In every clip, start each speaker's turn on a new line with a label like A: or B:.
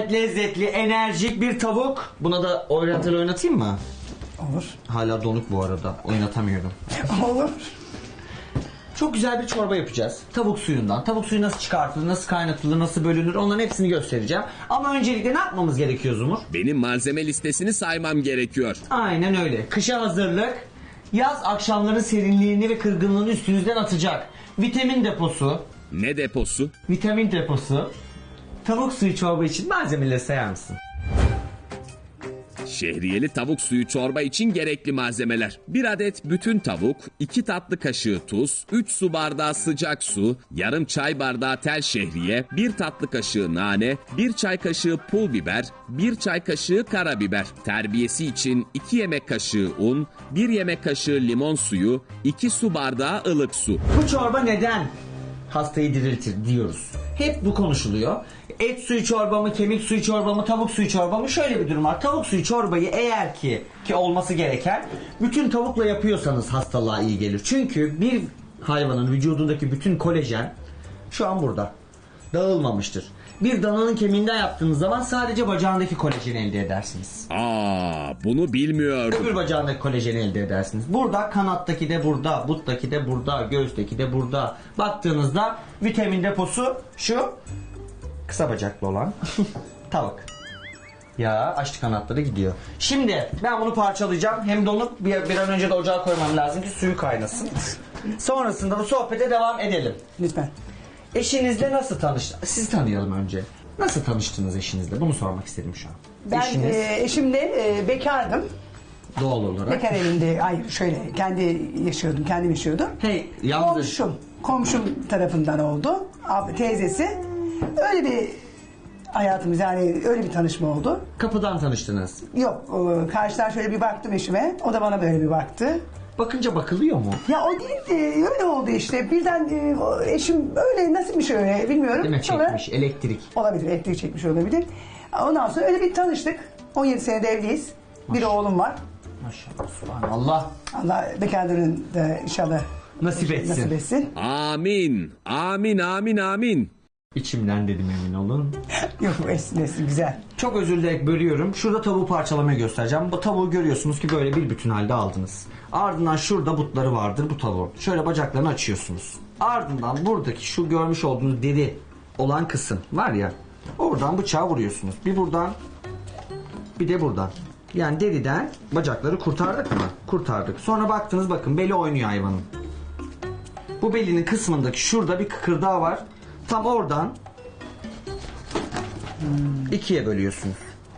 A: gayet lezzetli, enerjik bir tavuk. Buna da oynatayım mı?
B: Olur.
A: Hala donuk bu arada. Oynatamıyorum.
B: Olur.
A: Çok güzel bir çorba yapacağız. Tavuk suyundan. Tavuk suyu nasıl çıkartılır, nasıl kaynatılır, nasıl bölünür, onların hepsini göstereceğim. Ama öncelikle ne yapmamız gerekiyor Zumur?
C: Benim malzeme listesini saymam gerekiyor.
A: Aynen öyle. Kışa hazırlık. Yaz akşamların serinliğini ve kırgınlığını üstünüzden atacak. Vitamin deposu.
C: Ne deposu?
A: Vitamin deposu. Tavuk suyu çorba için malzemeleri sayar mısın?
C: Şehriyeli tavuk suyu çorba için gerekli malzemeler. 1 adet bütün tavuk, 2 tatlı kaşığı tuz, 3 su bardağı sıcak su, yarım çay bardağı tel şehriye, 1 tatlı kaşığı nane, 1 çay kaşığı pul biber, 1 çay kaşığı karabiber. Terbiyesi için 2 yemek kaşığı un, 1 yemek kaşığı limon suyu, 2 su bardağı ılık su.
A: Bu çorba neden hastayı diriltir diyoruz. Hep bu konuşuluyor. Et suyu çorba mı, kemik suyu çorba mı, tavuk suyu çorba mı? Şöyle bir durum var. Tavuk suyu çorbayı eğer ki olması gereken bütün tavukla yapıyorsanız hastalığa iyi gelir. Çünkü bir hayvanın vücudundaki bütün kolajen şu an burada. Dağılmamıştır. Bir dananın kemiğinden yaptığınız zaman sadece bacağındaki kolajeni elde edersiniz.
C: Bunu bilmiyordum.
A: Öbür bacağındaki kolajeni elde edersiniz. Burada kanattaki de burada, buttaki de burada, göğüsteki de burada. Baktığınızda vitamin deposu şu kısa bacaklı olan tavuk. Ya açtı kanatları gidiyor. Şimdi ben bunu parçalayacağım. Hem donuk bir an önce de ocağa koymam lazım ki suyu kaynasın. Sonrasında bu sohbete devam edelim.
B: Lütfen.
A: Eşinizle nasıl tanıştınız? Sizi tanıyalım önce. Nasıl tanıştınız eşinizle? Bunu sormak istedim şu an.
B: Ben eşimle bekardım.
A: Doğal olarak.
B: Bekar evinde, şöyle kendim yaşıyordum.
A: Hey, yalnız.
B: Komşum tarafından oldu. Teyzesi. Öyle bir hayatımız, yani öyle bir tanışma oldu.
A: Kapıdan tanıştınız.
B: Yok, karşıdan şöyle bir baktım eşime. O da bana böyle bir baktı.
A: Bakınca bakılıyor mu?
B: Ya o değildi, öyle oldu işte. Birden eşim öyle, nasıl bir şey öyle bilmiyorum.
A: Değil mi? Çekmiş, elektrik.
B: Olabilir, elektrik çekmiş olabilir. Ondan sonra öyle bir tanıştık. 17 senede evliyiz. Bir oğlum var.
A: Maşallah, subhanallah.
B: Allah bekarların da inşallah
A: Nasip etsin.
C: Amin. Amin, amin, amin.
A: İçimden dedim, emin olun.
B: Yok, esnesin güzel.
A: Çok özür dilerim, bölüyorum. Şurada tavuğu parçalamayı göstereceğim. Bu tavuğu görüyorsunuz ki böyle bir bütün halde aldınız. Ardından şurada butları vardır bu tavuğun. Şöyle bacaklarını açıyorsunuz. Ardından buradaki şu görmüş olduğunuz deri olan kısım var ya. Oradan bıçağı vuruyorsunuz. Bir buradan, bir de buradan. Yani deriden bacakları kurtardık mı? Kurtardık. Sonra baktınız, bakın beli oynuyor hayvanın. Bu belinin kısmındaki şurada bir kıkırdağı var. Tam oradan ikiye bölüyorsunuz.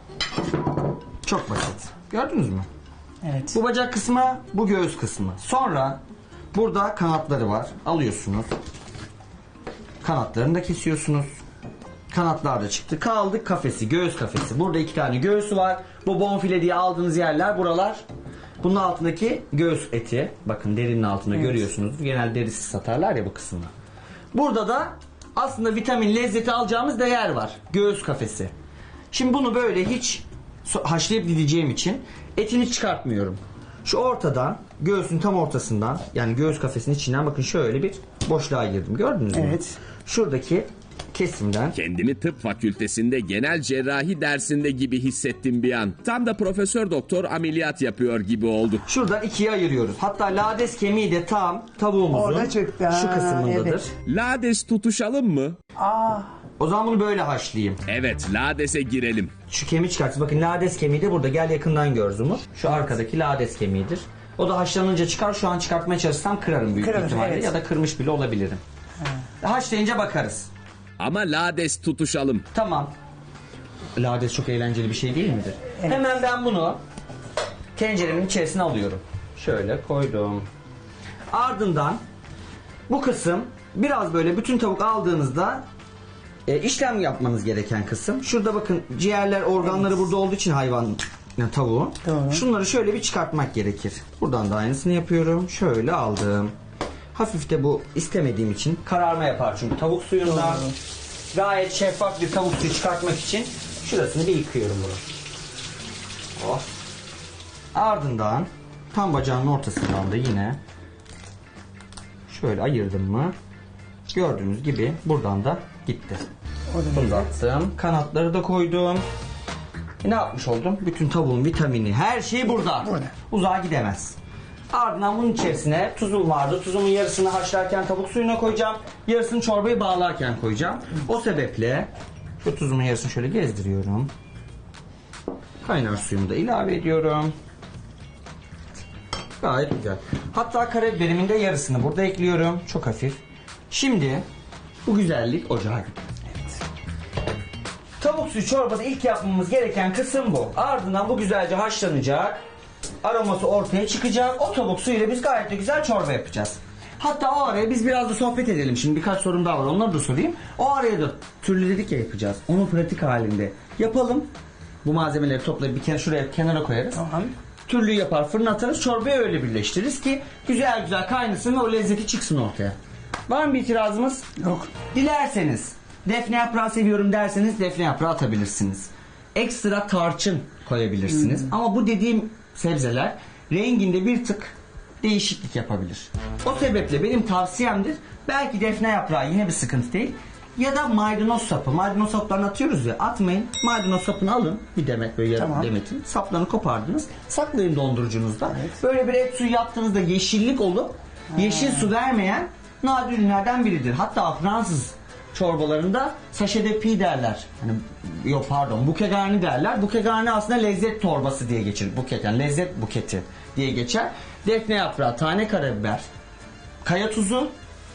A: Çok basit. Gördünüz mü?
B: Evet.
A: Bu bacak kısmı, bu göğüs kısmı. Sonra burada kanatları var. Alıyorsunuz. Kanatlarını da kesiyorsunuz. Kanatlar da çıktı. Kaldı kafesi, göğüs kafesi. Burada 2 tane göğsü var. Bu bonfile diye aldığınız yerler buralar. Bunun altındaki göğüs eti. Bakın derinin altında görüyorsunuz. Genel derisiz satarlar ya bu kısmını. Burada da aslında vitamin, lezzeti alacağımız değer var. Göğüs kafesi. Şimdi bunu böyle hiç haşlayıp dideceğim için etini çıkartmıyorum. Şu ortadan, göğsün tam ortasından, yani göğüs kafesinin içinden bakın şöyle bir boşluğa girdim. Gördünüz mü?
B: Evet.
A: Şuradaki kesimden.
C: Kendimi tıp fakültesinde genel cerrahi dersinde gibi hissettim bir an. Tam da profesör doktor ameliyat yapıyor gibi oldu.
A: Şuradan ikiye ayırıyoruz. Hatta lades kemiği de tam tavuğumuzun
B: Orada çıktı.
A: şu kısmındadır.
B: Evet.
C: Lades tutuşalım mı?
A: O zaman bunu böyle haşlayayım.
C: Evet, ladese girelim.
A: Şu kemiği çıkartın. Bakın lades kemiği de burada. Gel yakından gör Zumur. Şu arkadaki lades kemiğidir. O da haşlanınca çıkar. Şu an çıkartmaya çalışsam kırarım büyük ihtimalle.
B: Evet.
A: Ya da kırmış bile olabilirim. Haşlayınca bakarız.
C: Ama lades tutuşalım.
A: Tamam. Lades çok eğlenceli bir şey değil midir?
B: Evet.
A: Hemen ben bunu tenceremin içerisine alıyorum. Şöyle koydum. Ardından bu kısım biraz böyle bütün tavuk aldığınızda işlem yapmanız gereken kısım. Şurada bakın ciğerler, organları burada olduğu için hayvan, yani tavuğun.
B: Doğru.
A: Şunları şöyle bir çıkartmak gerekir. Buradan da aynısını yapıyorum. Şöyle aldım. Hafif de bu istemediğim için kararma yapar çünkü tavuk suyundan. Gayet şeffaf bir tavuk suyu çıkartmak için şurasını bir yıkıyorum bunu. Oh. Ardından tam bacağın ortasından da yine şöyle ayırdım mı gördüğünüz gibi buradan da gitti.
B: O da
A: Uzattım. Kanatları da koydum. Ne yapmış oldum? Bütün tavuğun vitamini, her şey burada.
B: Burada.
A: Uzağa gidemez. Ardından bunun içerisine tuzum vardı. Tuzumun yarısını haşlarken tavuk suyuna koyacağım. Yarısını çorbayı bağlarken koyacağım. O sebeple şu tuzumun yarısını şöyle gezdiriyorum. Kaynar suyumu da ilave ediyorum. Gayet güzel. Hatta karabiberimin de yarısını burada ekliyorum. Çok hafif. Şimdi bu güzellik ocağa gidiyor. Tavuk suyu çorbası ilk yapmamız gereken kısım bu. Ardından bu güzelce haşlanacak. Aroması ortaya çıkacak. O tavuk suyuyla biz gayet de güzel çorba yapacağız. Hatta o araya biz biraz da sohbet edelim. Şimdi birkaç sorum daha var. Onları da sorayım. O araya da türlü dedik ya yapacağız. Onu pratik halinde yapalım. Bu malzemeleri toplayıp bir kere şuraya kenara koyarız.
B: Tamam.
A: Türlüyü yapar, fırına atarız. Çorbayı öyle birleştiririz ki güzel güzel kaynasın ve o lezzeti çıksın ortaya. Var mı bir itirazımız?
B: Yok.
A: Dilerseniz defne yaprağı seviyorum derseniz defne yaprağı atabilirsiniz. Ekstra tarçın koyabilirsiniz. Ama bu dediğim sebzeler renginde bir tık değişiklik yapabilir. O sebeple benim tavsiyemdir. Belki defne yaprağı yine bir sıkıntı değil. Ya da maydanoz sapı. Maydanoz saplarını atıyoruz ya, atmayın. Maydanoz sapını alın. Bir demet böyle yarım
B: Tamam.
A: demetin. Saplarını kopardınız. Saklayın dondurucunuzda. Böyle bir et suyu yaptığınızda yeşillik olup yeşil su vermeyen nadir ürünlerden biridir. Hatta Fransız çorbalarında sachet de pis derler. Hani, yok pardon, bouquet garni derler. Bouquet garni aslında lezzet torbası diye geçir. Bouquet yani lezzet buketi diye geçer. Defne yaprağı, tane karabiber, kaya tuzu,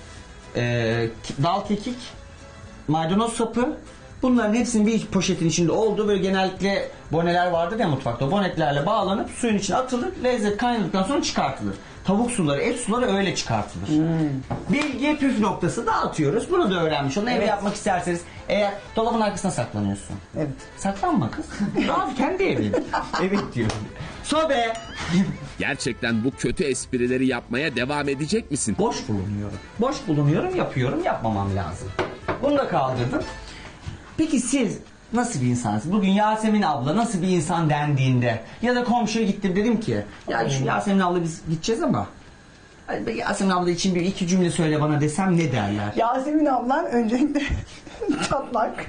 A: dal kekik, maydanoz sapı. Bunların hepsinin bir poşetin içinde olduğu, böyle genellikle boneler vardır ya mutfakta. O bonetlerle bağlanıp suyun içine atılır. Lezzet kaynadıktan sonra çıkartılır. Tavuk suları, et suları öyle çıkartılır. Bilgi püf noktası dağıtıyoruz. Bunu da öğrenmiş olun. Evde
B: Evet.
A: yapmak isterseniz, eğer dolabın arkasına saklanıyorsun.
B: Evet.
A: Saklanma kız. Rahat kendi evin. Evet diyorum. Sobe.
C: Gerçekten bu kötü esprileri yapmaya devam edecek misin?
A: Boş bulunuyorum. Boş bulunuyorum, yapıyorum. Yapmamam lazım. Bunu da kaldırdım. Peki siz nasıl bir insansınız? Bugün Yasemin abla nasıl bir insan dendiğinde ya da komşuya gittim dedim ki ya şu Yasemin abla biz gideceğiz ama hani Yasemin abla için bir iki cümle söyle bana desem ne derler?
B: Yasemin ablan öncelikle çatlak.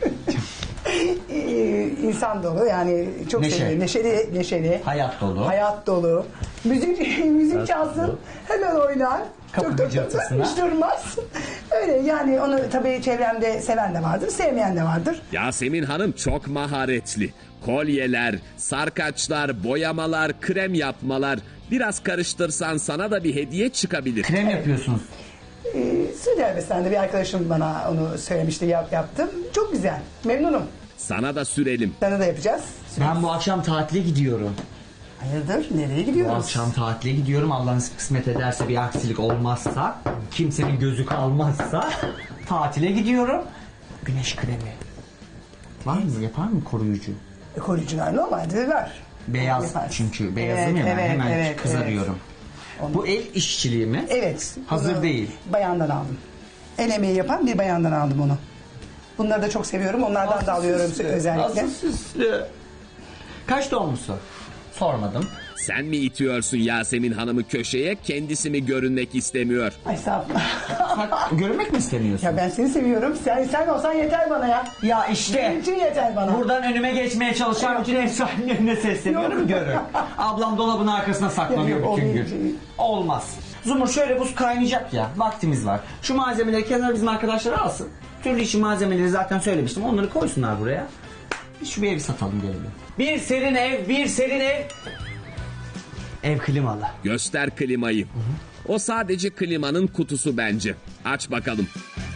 B: İnsan dolu, yani çok
A: Neşe.
B: seviyorum. Neşeli.
A: Hayat dolu.
B: Hayat dolu. Müzik çalsın, hemen oynar.
A: Kapı gıcırtısına.
B: Hiç durmaz. Öyle yani, onu tabii çevremde seven de vardır, sevmeyen de vardır.
C: Yasemin Hanım çok maharetli. Kolyeler, sarkaçlar, boyamalar, krem yapmalar. Biraz karıştırsan sana da bir hediye çıkabilir.
A: Krem yapıyorsunuz.
B: Suudi Arabistan'da bir arkadaşım bana onu söylemişti, yaptım. Çok güzel, memnunum.
C: Sana da sürelim.
B: Sana da yapacağız.
A: Ben bu akşam tatile gidiyorum.
B: Hayırdır, nereye
A: Bu
B: gidiyoruz?
A: akşam tatile gidiyorum. Allah nasip kısmet ederse, bir aksilik olmazsa, kimsenin gözü kalmazsa tatile gidiyorum. Güneş kremi. Var mı? Yapar mı koruyucu?
B: Koruyucular normalde var.
A: Beyaz
B: Yaparsın.
A: çünkü. Beyazım ya ben hemen kızarıyorum.
B: Onu-
A: Bu el işçiliği mi?
B: Evet.
A: Hazır
B: bunu
A: değil.
B: Bayandan aldım. El emeği yapan bir bayandan aldım onu. Bunları da çok seviyorum. Onlardan da alıyorum özellikle.
A: Nasıl süslü. Kaç doğumlusu? Sormadım.
C: Sen mi itiyorsun Yasemin Hanım'ı köşeye, kendisi mi görünmek istemiyor?
B: Ay sağ ol.
A: Görünmek mi istemiyorsun?
B: Ya ben seni seviyorum. Sen olsan yeter bana ya.
A: Ya işte.
B: Benim için yeter bana.
A: Buradan önüme geçmeye çalışan bütün ev sahiplerine sesleniyorum, görün. Ablam dolabın arkasına saklanıyor
B: Yok,
A: bütün
B: o
A: gün.
B: değil.
A: Olmaz. Zumur şöyle, buz kaynayacak ya. Vaktimiz var. Şu malzemeleri kenara bizim arkadaşlar alsın. Türlü işi malzemeleri zaten söylemiştim. Onları koysunlar buraya. Biz şu bir evi satalım gelelim. Bir serin ev, bir serin ev. Ev klimalı.
C: Göster klimayı. O sadece klimanın kutusu bence. Aç bakalım.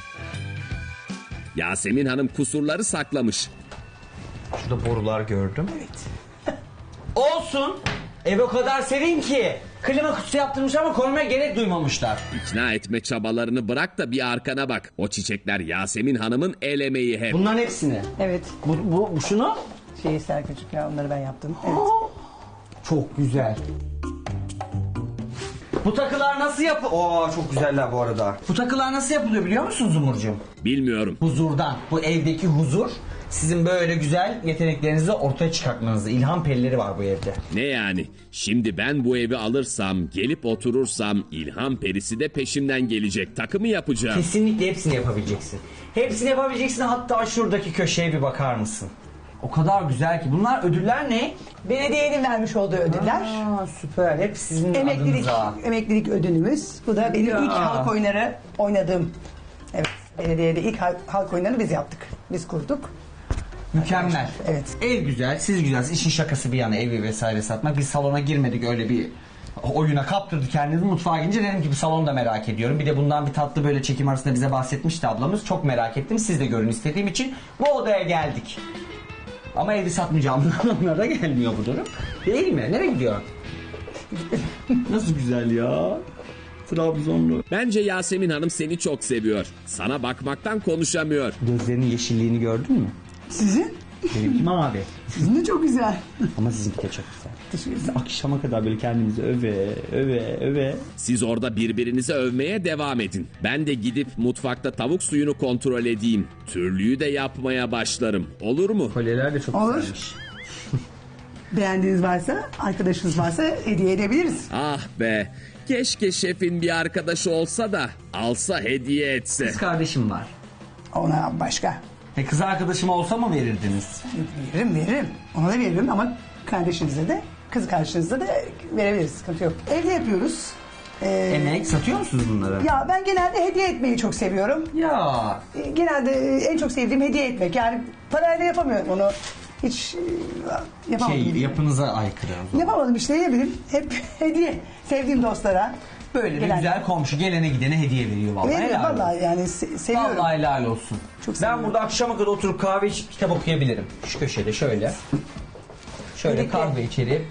C: Yasemin Hanım kusurları saklamış.
A: Şurada borular gördüm. Evet. Olsun. Ev o kadar serin ki. Klima kutusu yaptırmışlar ama koymaya gerek duymamışlar.
C: İkna etme çabalarını bırak da bir arkana bak. O çiçekler Yasemin Hanım'ın el emeği hep.
A: Bunların hepsini.
B: Evet.
A: Bu şunu.
B: Serkücük ya, onları ben yaptım. Evet.
A: Çok güzel. Bu takılar nasıl çok güzeller bu arada. Bu takılar nasıl yapılıyor biliyor musun Zumurcuğum?
C: Bilmiyorum.
A: Huzurdan. Bu evdeki huzur Sizin böyle güzel yeteneklerinizi ortaya çıkartmanızı. İlham perileri var bu evde.
C: Ne yani? Şimdi ben bu evi alırsam, gelip oturursam ilham perisi de peşimden gelecek. Takımı yapacağım.
A: Kesinlikle hepsini yapabileceksin. Hepsini yapabileceksin, hatta şuradaki köşeye bir bakar mısın? O kadar güzel ki. Bunlar ödüller ne?
B: Belediyenin vermiş olduğu ödüller.
A: Aa, süper. Hep sizin adınıza.
B: Emeklilik ödülümüz. Bu da benim
A: Ya.
B: ilk halk oyunları oynadığım. Evet, belediyede ilk halk oyunlarını biz yaptık. Biz kurduk.
A: Mükemmel.
B: Evet.
A: Ev güzel, siz güzelsiniz. İşin şakası bir yana evi vesaire satmak. Biz salona girmedik, öyle bir oyuna kaptırdı kendimizi. Mutfağa girince dedim ki bu salonu da merak ediyorum. Bir de bundan bir tatlı böyle çekim arasında bize bahsetmişti ablamız. Çok merak ettim. Siz de görün istediğim için bu odaya geldik. Ama evi satmayacağım anlamına gelmiyor bu durum. Değil mi? Nereye gidiyor? Nasıl güzel ya. Trabzonlu.
C: Bence Yasemin Hanım seni çok seviyor. Sana bakmaktan konuşamıyor.
A: Gözlerinin yeşilliğini gördün mü?
B: Sizin?
A: Benimki mavi.
B: Sizin de çok güzel.
A: Ama sizinki de çok güzel. Biz akşama kadar böyle kendimizi öve.
C: Siz orada birbirinizi övmeye devam edin. Ben de gidip mutfakta tavuk suyunu kontrol edeyim. Türlüyü de yapmaya başlarım. Olur mu?
A: Kolyeler de çok
B: Olur.
A: güzelmiş.
B: Beğendiğiniz varsa, arkadaşınız varsa hediye edebiliriz.
C: Ah be. Keşke şefin bir arkadaşı olsa da alsa hediye etse.
A: Kız kardeşim var.
B: Ona başka.
A: Kız arkadaşım olsa mı verirdiniz?
B: Veririm. Ona da veririm ama kardeşinize de, kız kardeşinize de verebiliriz. Sıkıntı yok. Evde yapıyoruz.
A: Emek satıyor musunuz bunları?
B: Ya ben genelde hediye etmeyi çok seviyorum.
A: Ya.
B: Genelde en çok sevdiğim hediye etmek. Yani parayla yapamıyorum onu. Hiç yapamadım.
A: Yapınıza aykırı.
B: Yapamadım işte, ne bileyim. Hep hediye. Sevdiğim dostlara.
A: Böyle bir
B: Gelen-
A: güzel komşu gelene gidene hediye veriyor vallahi.
B: Veririm
A: helal olsun.
B: vallahi, yani seviyorum.
A: Vallahi helal olsun.
B: Çok
A: ben
B: seviyorum.
A: burada akşama kadar oturup kahve içip kitap okuyabilirim. Şu köşede şöyle. Şöyle
B: Birlikte.
A: kahve içerim.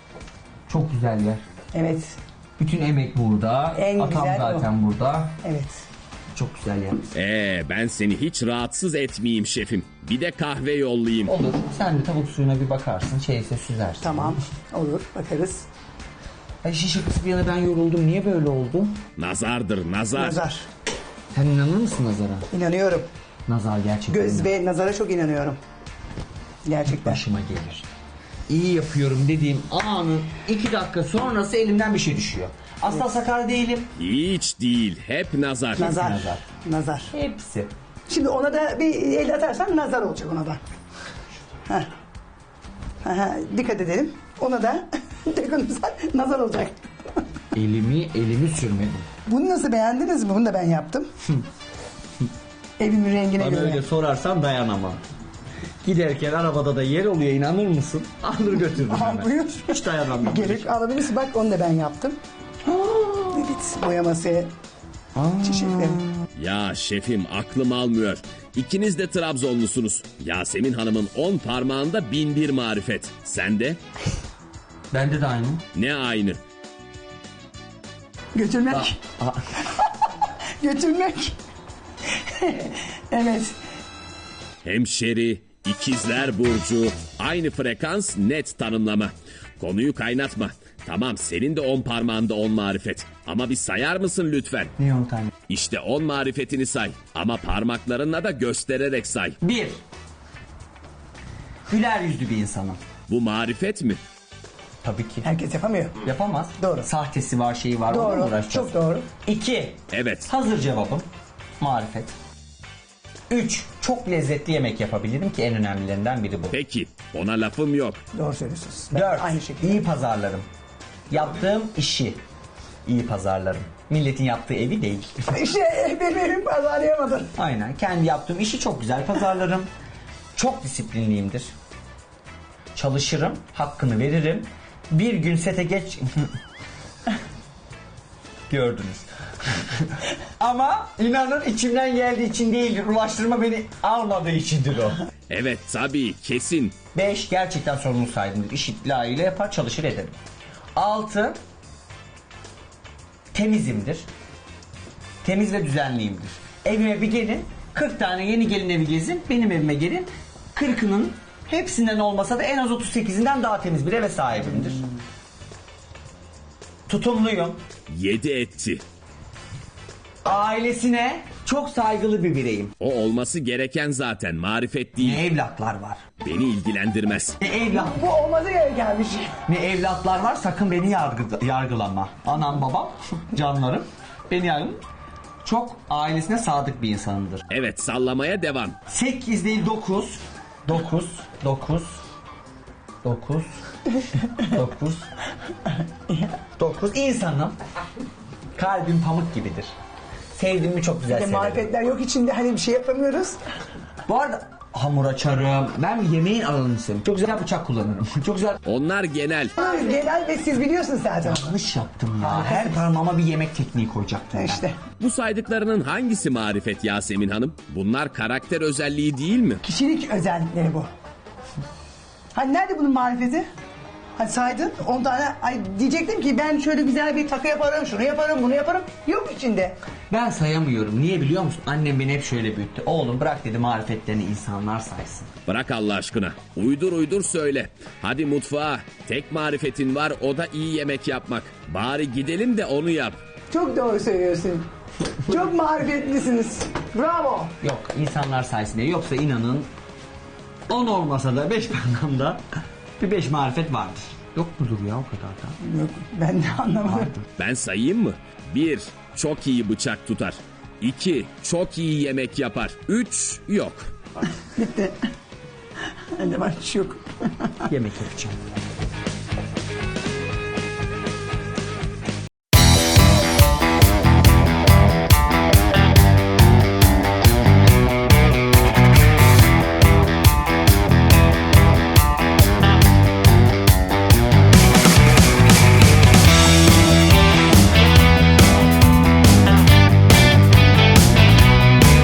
A: Çok güzel yer.
B: Evet.
A: Bütün emek burada.
B: En
A: Atam
B: güzel
A: zaten burada.
B: Evet.
A: Çok güzel yer.
C: Ben seni hiç rahatsız etmeyeyim şefim. Bir de kahve yollayayım.
A: Olur. Sen de tavuk suyuna bir bakarsın. Şeyse süzersin.
B: Tamam. Olur. Bakarız.
A: Ay şişesi bir yana ben yoruldum. Niye böyle oldu?
C: Nazardır nazar.
B: Nazar.
A: Sen inanır mısın nazara?
B: İnanıyorum.
A: Nazar gerçekten.
B: Göz ve nazara çok inanıyorum. Gerçekten.
A: Başıma gelir. İyi yapıyorum dediğim anın 2 dakika sonrası elimden bir şey düşüyor. Asla sakar değilim.
C: Hiç değil. Hep nazar.
B: Nazar.
A: nazar.
B: Nazar.
A: Hepsi.
B: Şimdi ona da bir el atarsan nazar olacak ona da. Heh. Aha, dikkat edelim. Ona da dokunursan nazar olacak.
A: Elimi sürmedim.
B: Bunu nasıl, beğendiniz mi? Bunu da ben yaptım. Evimin rengine
A: Bana
B: göre.
A: öyle sorarsan dayanamam. Giderken arabada da yer oluyor, inanır mısın? Alır götürdüm
B: Al
A: hemen.
B: buyur.
A: Hiç dayanamam.
B: Gerek alabilirsin. Bak onu da ben yaptım. Evet, boyaması. Çiçekleri.
C: Ya şefim aklım almıyor. İkiniz de Trabzonlusunuz. Yasemin Hanım'ın 10 parmağında 1001 marifet. Sende
A: Bende de aynı.
C: ne aynı?
B: Götürmek. Götürmek. Evet.
C: Hemşeri, ikizler burcu, aynı frekans, net tanımlama. Konuyu kaynatma. Tamam senin de 10 parmağında 10 marifet. Ama bir sayar mısın lütfen?
A: Ne o tane?
C: İşte 10 marifetini say. Ama parmaklarınla da göstererek say.
A: 1. Güler yüzlü bir insanım.
C: Bu marifet mi?
A: Tabii ki.
B: Herkes yapamıyor.
A: Yapamaz.
B: Doğru.
A: Sahtesi var, şeyi var.
B: Doğru,
A: Onunla uğraşacağız.
B: çok doğru.
A: 2.
C: Evet.
A: Hazır cevabım. Marifet. 3. Çok lezzetli yemek yapabilirim ki en önemlilerinden biri bu.
C: Peki ona lafım yok.
B: Doğru söylüyorsunuz. Ben
A: 4.
B: aynı şekilde.
A: İyi pazarlarım. Yaptığım işi iyi pazarlarım. Milletin yaptığı evi değil.
B: İşte benim evim pazarlayamadın.
A: Aynen. Kendi yaptığım işi çok güzel pazarlarım. Çok disiplinliyimdir. Çalışırım, hakkını veririm. Bir gün sete geç... Gördünüz. Ama inanın içimden geldiği için değildir. Ulaştırma beni almadığı içindir o.
C: Evet tabii kesin.
A: 5. Gerçekten sorumlu sahibimdir. İşi layığıyla yapar, çalışır ederim. 6. Temizimdir. Temiz ve düzenliyimdir. Evime bir gelin, 40 tane yeni gelin evi gezin, benim evime gelin. 40'ının hepsinden olmasa da en az 38'inden daha temiz bir eve sahibimdir. Tutumluyum.
C: 7 etti.
A: Ailesine Çok saygılı bir bireyim.
C: O olması gereken zaten, marifet değil.
A: Ne evlatlar var.
C: Beni ilgilendirmez.
B: Bu olması gereken bir şey.
A: Ne evlatlar var, sakın beni yargılama. Anam babam, canlarım, beni yargılama. Çok ailesine sadık bir insanımdır.
C: Evet, sallamaya devam.
A: 8 değil 9. 9. 9. 9. 9. 9 insanım. Kalbim pamuk gibidir. Sevdiğimi çok güzel severim.
B: Marifetler yok içinde, hani bir şey yapamıyoruz.
A: Bu arada hamur açarım. Ben yemeğin alanını seviyorum. Çok güzel bıçak kullanırım. Çok güzel.
C: Onlar genel.
B: Genel ve siz biliyorsunuz zaten.
A: Yanlış yaptım ya. Her parmağıma bir yemek tekniği koyacaktım. ben.
B: İşte
C: Bu saydıklarının hangisi marifet Yasemin Hanım? Bunlar karakter özelliği değil mi?
B: kişilik özellikleri bu. Hani nerede bunun marifeti? Hani saydın 10 tane, ay diyecektim ki ben şöyle güzel bir takı yaparım, şunu yaparım, bunu yaparım. Yok içinde.
A: Ben sayamıyorum. Niye biliyor musun? Annem beni hep şöyle büyüttü. Oğlum bırak dedi marifetlerini insanlar saysın.
C: Bırak Allah aşkına. Uydur uydur söyle. Hadi mutfağa. Tek marifetin var, o da iyi yemek yapmak. Bari gidelim de onu yap.
B: Çok doğru söylüyorsun. Çok marifetlisiniz. Bravo.
A: Yok insanlar saysın diye. Yoksa inanın 10 olmasa da 5 anlamda bir 5 marifet vardır. Yok mudur ya o kadar da?
B: Yok, ben de anlamadım.
C: Ben sayayım mı? 1. Çok iyi bıçak tutar. 2. Çok iyi yemek yapar. 3. Yok.
B: Bitti. Bende var, hiç yok.
A: Yemek yapacağım.